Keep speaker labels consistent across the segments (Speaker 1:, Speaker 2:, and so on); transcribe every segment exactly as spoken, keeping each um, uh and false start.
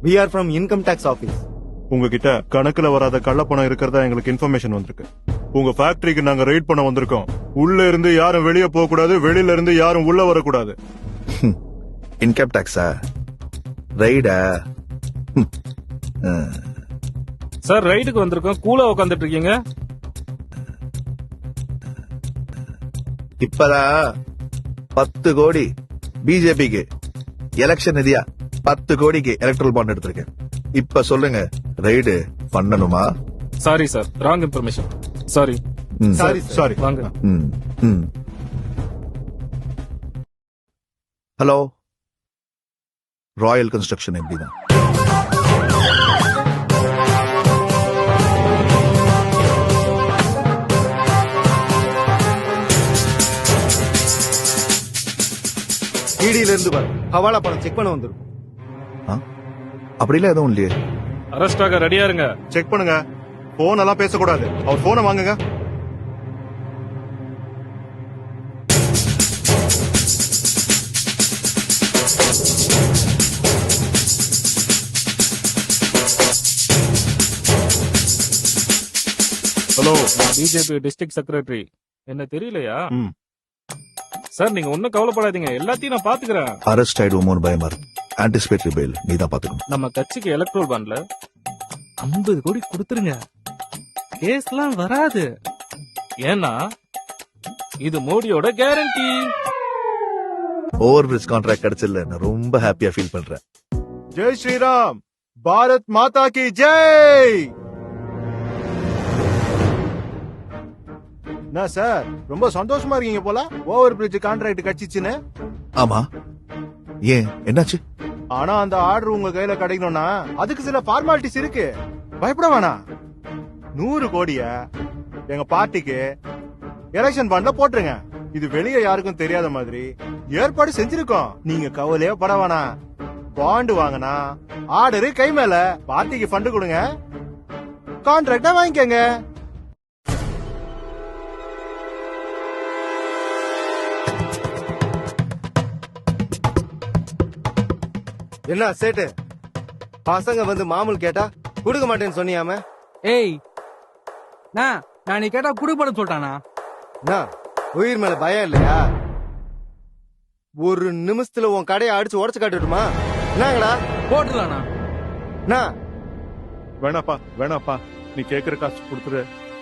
Speaker 1: We are from income tax office.
Speaker 2: உங்ககிட்ட கணக்குல வராத கள்ளப்பணம் இருக்கிறதா எங்களுக்கு இன்ஃபர்மேஷன் வந்திருக்கு. உங்க ஃபேக்டரிக்கு நாங்க ரைட் பண்ண வந்திருக்கோம். உள்ள இருந்து யாரும் வெளியே போக கூடாது, வெளியில இருந்து யாரும் உள்ள வரக்கூடாது.
Speaker 3: இன்கம் டாக்ஸா? ரைடா?
Speaker 4: சார் ரைடுக்கு வந்திருக்கோம். கூலா உட்காந்துட்டு இருக்கீங்க.
Speaker 3: இப்பதான் பத்து கோடி பிஜேபிக்கு எலெக்ஷன் நிதியா பத்து கோடிக்கு எலக்ட்ரல் பாண்ட் எடுத்திருக்கேன். இப்ப சொல்லுங்க, ரைடு பண்ணணுமா?
Speaker 4: Sorry sir, wrong information. Sorry
Speaker 2: sorry sorry
Speaker 4: வாங்க.
Speaker 3: ஹலோ, ராயல் கன்ஸ்ட்ரக்ஷன் எப்படிதான்?
Speaker 1: இடியில இருந்து வர ஹவாலா பணம் செக் பண்ண வந்திருக்கும்.
Speaker 3: அப்படிலாம் எதுவும் இல்லையே.
Speaker 4: அரெஸ்ட் ஆக ரெடியா இருங்க.
Speaker 2: செக் பண்ணுங்க. போன் எல்லாம் பேசக்கூடாது. அவர் போனை வாங்குங்க. Hello,
Speaker 4: BJP district secretary. என்ன தெரியலையா?
Speaker 2: ம்.
Speaker 4: சார் நீங்க ஒன்னும் கவலைப்படாதீங்க, எல்லாத்தையும் நான் பாத்துக்கிறேன்.
Speaker 3: அரெஸ்ட் ஆயிடுவோமோன்னு பயமா இருக்கு. ஆன்டிசிபேட்டரி பெயில் நீ தான் பாத்துக்கணும்.
Speaker 4: நம்ம கட்சிக்கு எலக்ட்ரோல் பாண்ட்ல ஐம்பது கோடி கொடுத்துருங்க. கேஸ்லாம் வராது. ஏன்னா இது மோடியோட கேரண்டி.
Speaker 3: ஓவர் பிரிட்ஜ் கான்ட்ராக்ட் கிடைச்சல நான் ரொம்ப ஹாப்பியா ஃபீல் பண்றேன்.
Speaker 2: ஜெய் ஸ்ரீராம், பாரத் மாதா கி ஜெய். என்ன சார் ரொம்ப சந்தோஷமா இருக்கீங்க போல, ஓவர் பிரிட்ஜ் கான்ட்ராக்ட் கிடைச்சிச்சுன்னு?
Speaker 3: ஆமா, ஏன் என்னாச்சு?
Speaker 2: ஆனா அந்த ஆர்டர் உங்க கையில கிடைக்கணும்னா அதுக்கு சில ஃபார்மாலிட்டிஸ் இருக்கு. பயப்பட வேணாம். நூறு கோடிய எங்க பார்ட்டிக்கு எலெக்ஷன் பாண்ட்ல போட்டுருங்க. இது வெளியே யாருக்கும் தெரியாத மாதிரி ஏற்பாடு செஞ்சிருக்கோம். நீங்க கவலையே பட வேணாம். பாண்டு வாங்கினா ஆர்டரு கை மேல. பார்ட்டிக்கு ஃபண்ட் கொடுங்க, கான்ட்ராக்டா வாங்கிக்கங்க.
Speaker 1: என்ன சேட்டு, பசங்க வந்து மாமூல் கேட்டா கொடுக்க மாட்டேன்னு சொன்னியாம?
Speaker 5: ஏய், நான் நான் நீ கேட்டா குடுப்படம் சொல்லிட்டானா?
Speaker 1: என்ன உயிர் மேல பயம் இல்லையா? ஒரு நிமிஷத்துல உன் கடையை அடிச்சு உடச்சு காட்டுட்டுமா? என்னங்கடா
Speaker 5: போட்டுலானா?
Speaker 1: என்ன
Speaker 2: வேணாப்பா வேணாப்பா, நீ கேக்குற காசு கொடுத்துரு.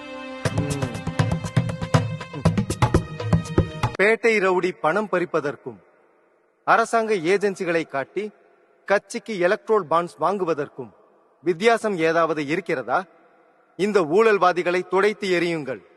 Speaker 1: பேட்டை ரவுடி பணம் பறிப்பதற்கும் அரசாங்க ஏஜென்சிகளை காட்டி கட்சிக்கு எலக்ட்ரோல் பாண்ட்ஸ் வாங்குவதற்கும் வித்தியாசம் ஏதாவது இருக்கிறதா? இந்த ஊழல்வாதிகளை துடைத்து எறியுங்கள்.